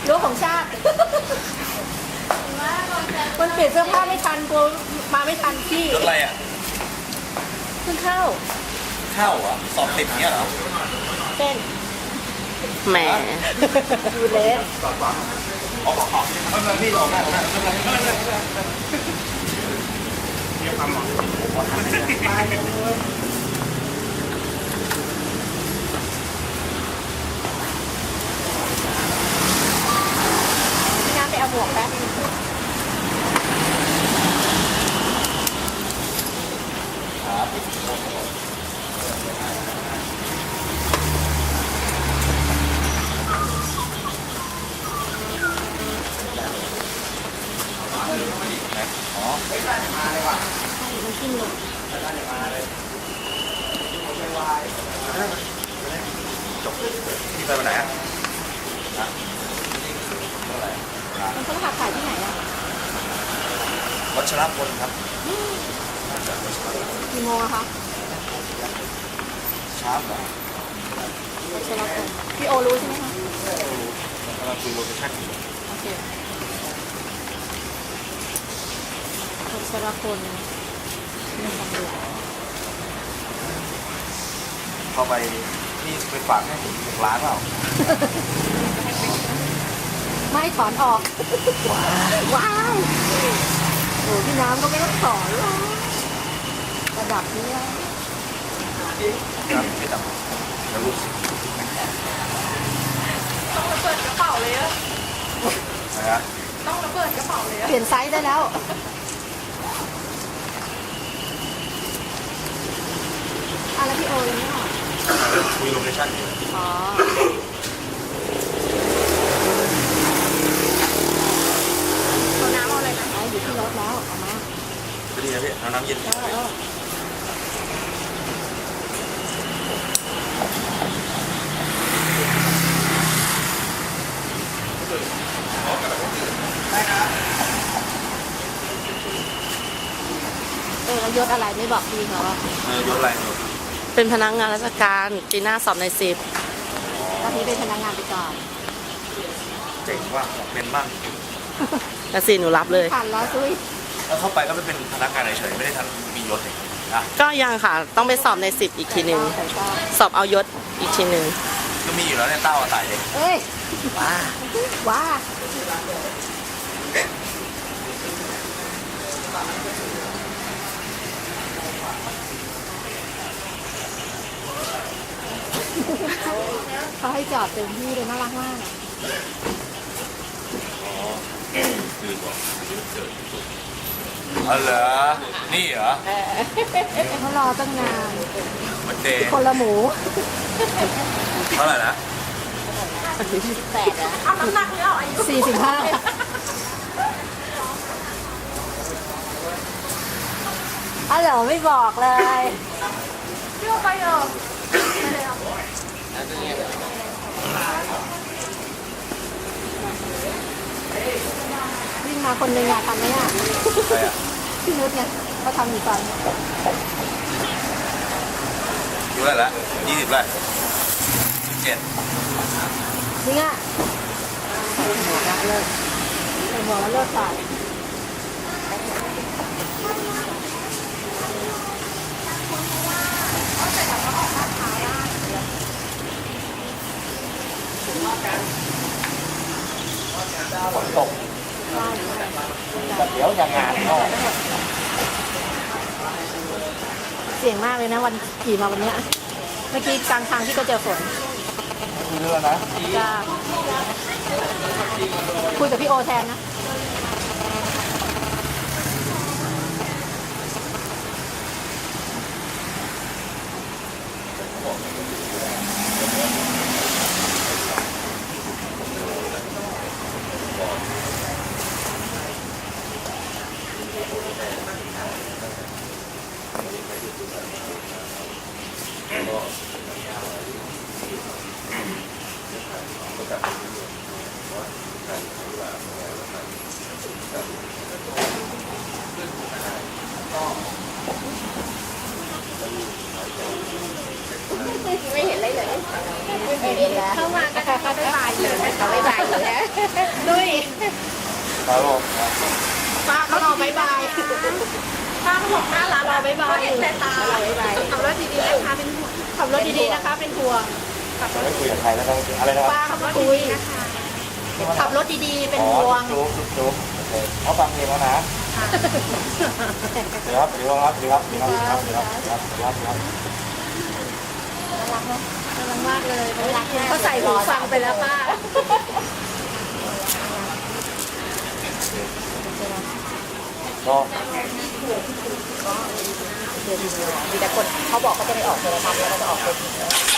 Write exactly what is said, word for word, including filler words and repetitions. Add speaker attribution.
Speaker 1: รั้วของชาติมันเปลี่ยนเสื้อผ้าไม่ทันกลัวมาไม่ทันพี่
Speaker 2: รถอะไรอ่ะ
Speaker 1: เพิ่งเข้า
Speaker 2: เข้าเหรอสอบติดเงี้ยเหรอ
Speaker 1: เต้น
Speaker 3: แหม
Speaker 1: ดูเลส
Speaker 2: อ๋อขอไม่เป็นไรพี่ออกได้ออกได้ไม่เป็นไรไม่เป็นไรเดี๋ยวทำหรอ
Speaker 1: พี่น้ำไปเอาหมวกแป๊บนึง
Speaker 2: อ๋อไม่ได้มาเลยว่ะ
Speaker 1: มันขึ้นลง
Speaker 2: ไม่ได้มาเลยจบพี่ไปวันไหนอ่ะนะเท่าไหร่
Speaker 1: มันเขาหักขายที่ไหนอ่ะ
Speaker 2: วัชรพลครับ
Speaker 1: กี่โมงอะคะ
Speaker 2: ชาร์ปเหรอ
Speaker 1: วัชรพลพี่โอรู้ใช่ไหมคะ
Speaker 2: กำลังคุยโลเคชั่นอยู่
Speaker 1: โอเควัชรพลเรื่องตำรวจ
Speaker 2: เข้าไปนี่ไปฝากให้ผมหกล้านเปล่า
Speaker 1: ไม่ถอนออก ว้าวโอ้พี่น้ำก็ไม่ต้องถอนหรอกระดับนี้แล้ว
Speaker 2: ครับไม่ต้องแล้วรู้สึก
Speaker 4: ต้องระเบิดกระเป๋าเลยอะ
Speaker 2: นะฮะ
Speaker 4: ต้องระเบิดกระเป๋าเลยอะ
Speaker 1: เปลี่ยนไซส์ได้แล้วอ่ะแล้วพี่โอยังไม่ออก
Speaker 2: คุยโลเคชั่นอยู่
Speaker 1: อ๋อเอาน้ำเอาอะไรนะเอาอยู่ที่รถแล้วเอามา
Speaker 2: ก็ดีนะพี่เอาน้ำเย็น
Speaker 1: ได้แล้วเออแล้วยศอะไรไม่บอกพี่เขาอะ
Speaker 2: เออยศอะไรเนี่ย
Speaker 3: เป็นพนักงานราชการปีหน้าสอบในสิบ
Speaker 1: ตอนนี้เป็นพนักงานไปก่อน
Speaker 2: เจ๋งว่าเป็นบ้าง
Speaker 3: แต่สิหนูรับเลย
Speaker 1: ผ่านแล้วซุย
Speaker 2: แล้วเข้าไปก็ไม่เป็นพนักงานเฉยๆไม่ได้ทันมียศเลยนะ
Speaker 3: ก็ยังค่ะ ต้องไปสอบในสิบอีกทีหนึ่ง
Speaker 1: ใส่ก็
Speaker 3: สอบเอายศอีกทีหนึ่ง
Speaker 2: ก็มีอยู่แล้วเนี่ยเต้าอาศัยเลย
Speaker 1: เอ้ย
Speaker 2: ว้า
Speaker 1: ว้าเขาให้จอดเต็มที่เลยน่ารักมาก
Speaker 2: คือบอกอ๋อเหรอนี่เหรอ
Speaker 1: เขารอตั้งนาน
Speaker 2: มันเดย์
Speaker 1: คนละหมู
Speaker 2: เท่าไหร่นะ
Speaker 1: แปดอะ
Speaker 4: เอาน้ำหนักหรือเอาอายุ
Speaker 1: สี่สิบห้าอ๋อเหรอไม่บอกเลย
Speaker 4: เที่ยวไปเหรอไปเลยเหรอ
Speaker 1: วิ่งมาคนหนึ่งอะทำไหมอะ
Speaker 2: ใครอ่ะ
Speaker 1: พี่นุชเนี่ยเขาทำอยู่ตอน
Speaker 2: อยู่แล้วละยี่สิบแล้วสิบเจ็ด
Speaker 1: จริงอะใส่หมวกแล้วเลิกใส่หมวกแล้วเลิกใส่
Speaker 2: ฝนตกแต่เดี๋ยวยังงานก็
Speaker 1: เสี่ยงมากเลยนะวันขี่มาวันเนี้ยเมื่อกี้กลางทางที่ก็เจอฝน
Speaker 2: มีเรือนะ
Speaker 1: จ้าคุยกับพี่โอแทนนะไม่เห็นอะไรเลยไม่เห็นแล้วเข้ามาก็เขาไม่บายเลยเขาไม่บายอยู่แล้วดุย
Speaker 2: ครับผม
Speaker 1: ป้าเขารอบายบายป้าเขาบอกน่ารักรอบายบายเห็นแต่ตาเราบายบายขับรถดีๆนะคะเป็นห่วงขับรถดีๆนะคะเป็นห่วง
Speaker 2: จะไม่คุยกับใครแล้วต้องอะไรนะครับ
Speaker 1: ป้าขับรถคุยนะคะขับรถดีๆเป็นห่วง
Speaker 2: จุ๊บจุ๊บจุ๊บโอเคเขาฟังเพลงแล้วนะเดี๋ยวครับเดี๋ยวครับเดี๋ยวครับเดี๋ยวครับเดี๋ยวครับเดี๋ยวครับเดี๋ยวครับเดี๋ยวครับ
Speaker 1: น่ารักเนาะน่ารักมากเลยเขาใส่หูฟังไปแล้วป้า
Speaker 2: ก็
Speaker 1: มีแต่คนเขาบอกเขาจะไปออกโทรทัศน์แล้วก็จะออกเป็น